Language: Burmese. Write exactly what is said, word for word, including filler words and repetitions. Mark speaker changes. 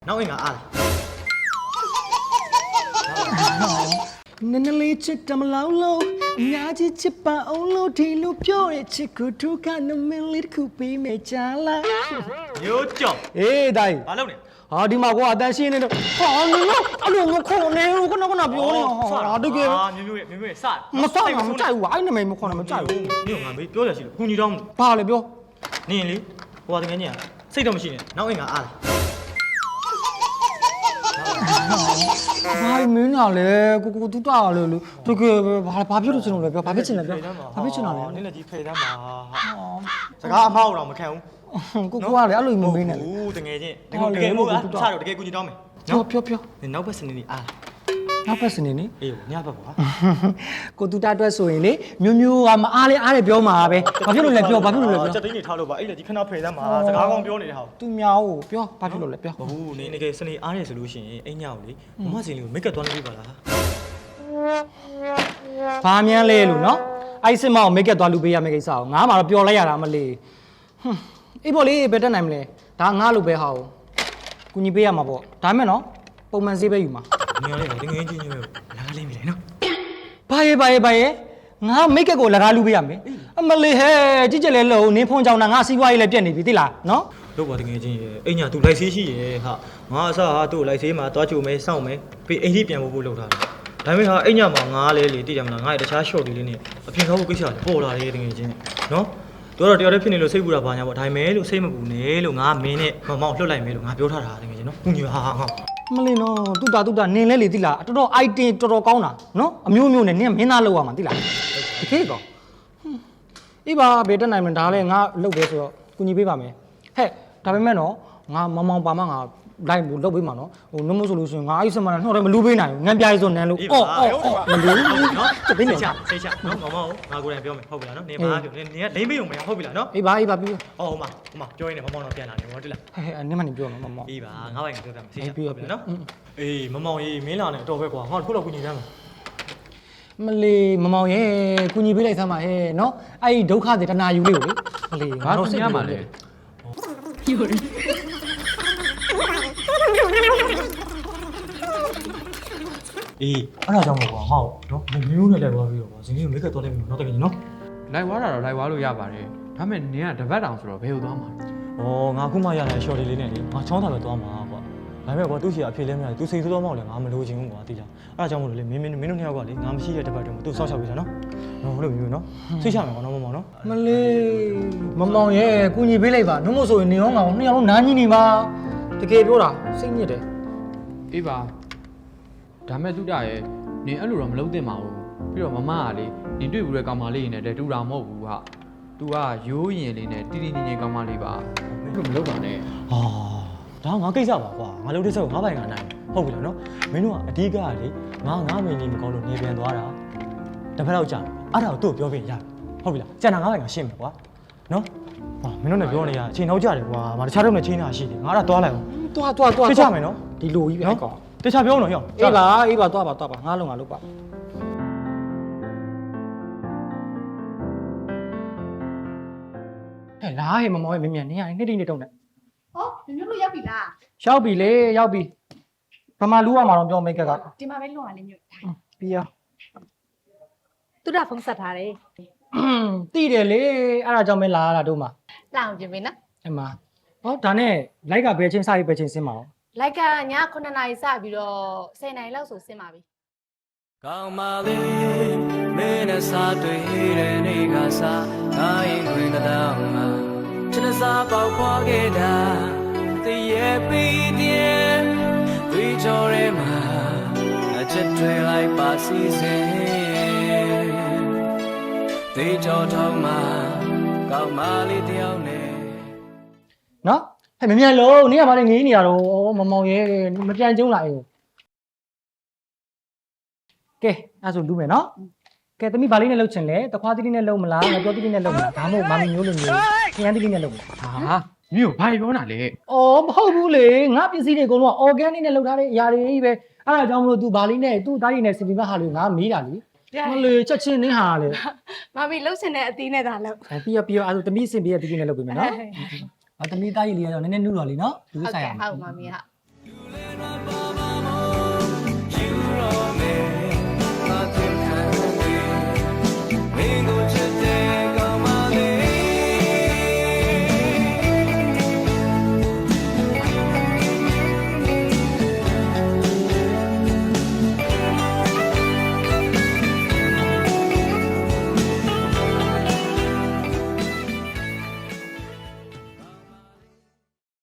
Speaker 1: နောက်အင်္ဂါအားနည်းနည်းလေးချစ်တမလောင်လို့အများကြီးချစ်ပါအောင်လို့ဒီလိုပြောတဲ့ချစ်ကိုဒုက္ခနမင်းလေးတစ်ခုပေးမယ်ချာလားမျိုးကြောင့်အေးတိုင်းဘာလုပ်လဲဟာဒီမှာကွာအတန်ရှင်းနေတော့ဟာငါအဲ့လိုငါခေါ်နေလို့ခဏခဏပြောနေဟာတကယ်ဟာမျိုးမျိုးရဲ့မျိုးမျိုးရဲ့စမစမမကြိုက်ဘူးအဲ့နာမည်မခေါ်နဲ့မကြိုက်ဘူးမျိုးငါမေးပြောရရှိလို့ခုညီတော့ဘာလဲပြောနင်းလေဟိုကတကယ်ကြီးစိတ်တော့မရှိနဲ့နောက်အင်္ဂါအားဘာမင်းနာလဲကိုကိုတူတာလဲလို့တကယ်ဘာဘာဖြစ်လို့ချင်လို့လဲပြောဘာဖြစ်ချင်လဲပြောဘာဖြစ်ချင်တာလဲနင်းလည်းကြီးဖယ်တမ်းပါစကားအမောက်တော့မခံဘူးကိုကိုကလည်းအဲ့လိုမမင်းနဲ့ဘူးတကယ်ချင်းတကယ်တကယ်မို့ကချတော့တကယ်ကူညီတော့မယ်ပြောပြောပြောနောက်ဘက်စနေနေအားနောက်ဘက်စနေနေအေးညဘက်ပါကိုတူတာအတွက်ဆိုရင်လေမျိုးမျိုးကမအားလဲအားတယ်ပြောမှာပဲဘာဖြစ်လို့လဲပြောဘာဖြစ်လို့လဲပြောစက်သိန်းနေထားလို့ပါအဲ့လေဒီခဏဖယ်တမ်းပါစကားကောင်းပြောနေတဲ့ဟာသူများကိုပြောဘာဖြစ်လို့လဲပြောဘူးနေတကယ်စနေအားတယ်ဆိုလို့ရှိရင်အိမ်ညောက်လေမမစင်လေးကိုမိတ်ကပ်သွားနေပြီပါလားဘာမြန်းလဲလို့နော်အဲ့စစ်မောက်မိတ်ကပ်သွားလူပေးရမယ့်ကိစ္စကိုငါမှတော့ပြောလိုက်ရတာမလေးဟွန်းအေးပေါ့လေဘယ်တက်နိုင်မလဲဒါငါလို့ပဲဟာကိုကူညီပေးရမှာပေါ့ဒါမဲ့နော်ပုံမှန်ဈေးပဲယူမှာငင်းလေးငင်းချင်းချင်းပဲလာလေးပြီလေနော်ဘာရဲ့ဘာရဲ့ဘာရဲ့ငါမိတ်ကက်ကိုလကားလူပေးရမယ်အမလေးဟဲ့ကြည့်ကြလဲလို့နင်းဖုန်းကြောင်တာငါစီးပွားရေးလည်းပြက်နေပြီသိလားနော်လို့ပါတကယ်ချင်းရဲ့အိညာ तू လိုက်ဆေးရှိရဲ့ဟာငါအစားဟာ तू လိုက်ဆေးမှာတွားချိုမဲစောင့်မဲပြီးအိမ်ကြီးပြန်ဖို့ဖို့လုပ်ထားတယ်ဒါပေမဲ့ဟာအိညာမှာငါလဲလေသိတယ်မလားငါ့ရဲ့တခြား short လေးလေးနဲ့အပြင်ကောက်ဖို့ကိစ္စလည်းပေါ်လာတယ်တကယ်ချင်းနော်တို့တော့တယောက်တည်းဖြစ်နေလို့စိတ်ပူတာဘာညာပေါ့ဒါပေမဲ့လို့စိတ်မပူနဲ့လို့ငါမင်းနဲ့မမောင်လှုပ်လိုက်မယ်လို့ငါပြောထားတာတကယ်ချင်းနော်ခုညီဟာဟာမလေးနော်တူတာတူတာနင်းလဲလေသိလားတော်တော် item တော်တော်ကောင်းတာနော်အမျိုးမျိုးနဲ့နင်းမင်းသားလောက်ရမှာသိလားတကယ်ကောအေးပါဘယ်တက်နိုင်မလဲဒါလည်းငါလှုပ်ပဲဆိုတော့ကူညီပေးပါမယ်ဟဲ့ဒါပေမဲ့နော်ငါမမောင်ပါမငါလိုက်ဘူးလှုပ်ပေးမှာနော်ဟိုနှမို့ဆိုလို့ရှိရင်ငါအဲ့စမနာနှောက်တယ်မလူပေးနိုင်ဘူးငံပြားရေးဆိုနန်းလို့အော်အော်အော်မလူနော်တသိနေချစိတ်ချနော်မမောင်ငါကိုယ်တိုင်ပြောမယ်ဟုတ်ပြီလားနော်နေပါပြောနေကလိမ့်ပေးုံမရဟုတ်ပြီလားနော်အေးပါအေးပါပြီးအော်ဟိုမှာဟိုမှာပြောရင်းနဲ့မမောင်တော့ပြန်လာတယ်ဟောတိလားဟဲ့ဟဲ့နင်းမနေပြောနော်မမောင်အေးပါငါ့ဘိုင်ကပြောပြမယ်စိတ်ချဟုတ်ပြီလားနော်အေးမမောင်ရေးမင်းလာနေတော့ပဲကွာငါတို့ခုတော့ကူညီရမ်းမလေးမမောင်ရဲ့ကူညီပေးလိုက်စမ်းပါဟဲ့နော်အဲ့ဒီဒုက္ခတွေတနာယူလေးကိုလေမလေးငါတို့စိတ်ရမှာလေယူရအေးအဲ့ဒါကြောင့်မို့ကွာဟောနော်မျိုးနဲ့လည်းသွားပြီးတော့ကွာဇင်းလေးကိုမိတ်ကပ်သွားလိုက်ပြီနော်တကယ်ကြီးနော်
Speaker 2: လိုက်ွားတာတော့လိုက်ွားလို့ရပါတယ်ဒါပေမဲ့နင်ကတပတ်တောင်ဆိုတော့ဘယ်လိုသွားမှာ
Speaker 1: လဲဩငါခုမှရတဲ့ short လေးနဲ့လေငါချောင်းတာပဲသွားမှာကွာဒါပေမဲ့ကွာသူ့ရှိအဖြစ်လဲမရသူစိတ်ဆိုးတော့မောက်လဲငါမလိုချင်ဘူးကွာသိလားအဲ့ဒါကြောင့်မို့လို့လေမင်းမင်းမင်းတို့နှစ်ယောက်ကလေငါမရှိတဲ့တပတ်တုန်းကသူ့ဆောက်ရှောက်ပေးတာနော်နော်ဟုတ်လို့မျိုးနော်သိချမယ်ကွာနော်မမောင်နော်မလေးမမောင်ရဲ့ကူညီပေးလိုက်ပါနှုတ်မို့ဆိုရင်နေရောငါနှစ်ယောက်လုံးနားကြီးနေပါတကယ်ပြောတာစိတ်ညစ်တယ်
Speaker 2: အေးပါဒါမဲ့သူတရဲ့နင်အဲ့လိုတော့မလုပ်သင့်ပါဘူးပြီးတော့မမကလေနင်တွေ့ဘူးတဲ့ကောင်မလေးနဲ့တည်းတူတာမဟုတ်ဘူးဟာသူကရိုးရင်လေးနဲ့တီတီငင်ငင်ကောင်မလေးပါမင်းတို့မလုပ်ပါနဲ့
Speaker 1: ဟာဒါငါကိစ္စပါကွာငါလုပ်တဲ့ဆက်ကိုငါပိုင်ကနိုင်ဟုတ်ပြီလားနော်မင်းတို့ကအဓိကကလေငါငါမင်းကြီးမကောင်းလို့နေပြန်သွားတာတစ်ဖက်တော့ကြာအဲ့ဒါကိုသူ့ကိုပြောပြရဟုတ်ပြီလားကျန်တာငါပိုင်ကရှင်းမယ်ကွာနော်ဟာမင်းတို့နဲ့ပြောနေရအချိန်နောက်ကြတယ်ကွာငါတခြားတော့နဲ့ချင်းတာရှိတယ်ငါအဲ့ဒါသွားလိုက်အောင်သွားသွားသွားသိချမယ်နော်ဒီလိုကြီးပဲကွာတခြားပြောတော့ဟေ့အေးပါအေးပါသွားပါသွားပါငါလုံးငါလုပ်ပါဟဲ့လားဟဲ့မမောရဲ့မင်းမြန်နေရနေတိနေတုံးနဲ့
Speaker 3: ဟောညညလို့ရောက်ပြီလား
Speaker 1: ရောက်ပြီလေရောက်ပြီဗမာလူရမှာတော့ပြောမိတ်ကက
Speaker 3: ဒီမှာပဲလွန်ရလေးမြို့
Speaker 1: ပြီးရော
Speaker 3: သူတို့ဖုန်းဆက်ထားတယ်
Speaker 1: တိတယ်လေအဲ့ဒါကြောင့်မလာရတာတို့မှာ
Speaker 3: လာအောင်ပြင်ပေးနော်
Speaker 1: အဲ့မှာဟောဒါနဲ့လိုက်ကဘယ်ချင်းစပြီးဘယ်ချင်းဆင်းမှာအောင်
Speaker 3: လိုက်ကညခုနှစ်နာရီစပြီးတော့ဆယ်နာရီလောက်ဆိုဆင်းပါပြီ
Speaker 4: ကောင်းပါလေမင်းနဲ့စားတွေ့တဲ့နေ့ကစားတိုင်းတွင်တောင်မှာချစ်စားပေါက်ခွာခဲ့တာတည်ရဲ့ပြီးတဲ့ဒီကြော်ရဲမှာအချစ်တွေလိုက်ပါစီစဉ်ဒီကြော်ထောင်းမှာကောင်းပါလေတယောက်နဲ့
Speaker 1: နော်ဟဲ့မမြန်လို့နေရပါလေငေးနေရတော့မမောင်ရဲမပြန်ကျုံးလာအေးကဲအဲ့ဆိုလူမယ်နော်ကဲသမီးဗာလေးနဲ့လှုပ်ချင်လဲတခွားတိတိနဲ့လှုပ်မလားငါပြောတိတိနဲ့လှုပ်မလားဒါမှမဟုတ်မာမီမျိုးလိုမျိုးခရမ်းတိတိနဲ့လှုပ်မလား
Speaker 2: ဟာမြို့ဘာပြောတာလဲ
Speaker 1: အော်မဟုတ်ဘူးလေငါပစ္စည်းတွေအကုန်လုံး organic နဲ့လှုပ်ထားတဲ့အရာတွေကြီးပဲအဲ့ဒါကြောင့်မလို့ तू ဗာလေးနဲ့ तू သားရည်နဲ့စင်ပြီးမှဟာလို့ငါမေးတာလေမလေချက်ချင်းနင်းဟာလေ
Speaker 3: မာမီလှုပ်ချင်တဲ့အသီးနဲ့သာလှုပ်
Speaker 1: ပြီးရောပြီးရောအဲ့ဆိုသမီးစင်ပြီးတဲ့တိတိနဲ့လှုပ်ပြီမယ်နော်အသမီးသားရည်လေးကတော့နည်းနည်းနူးတော်လေးနော်လူဆိုင်ရ
Speaker 3: ဟုတ်ကဲ့ဟုတ်မာမီဟုတ်
Speaker 4: မှာပါ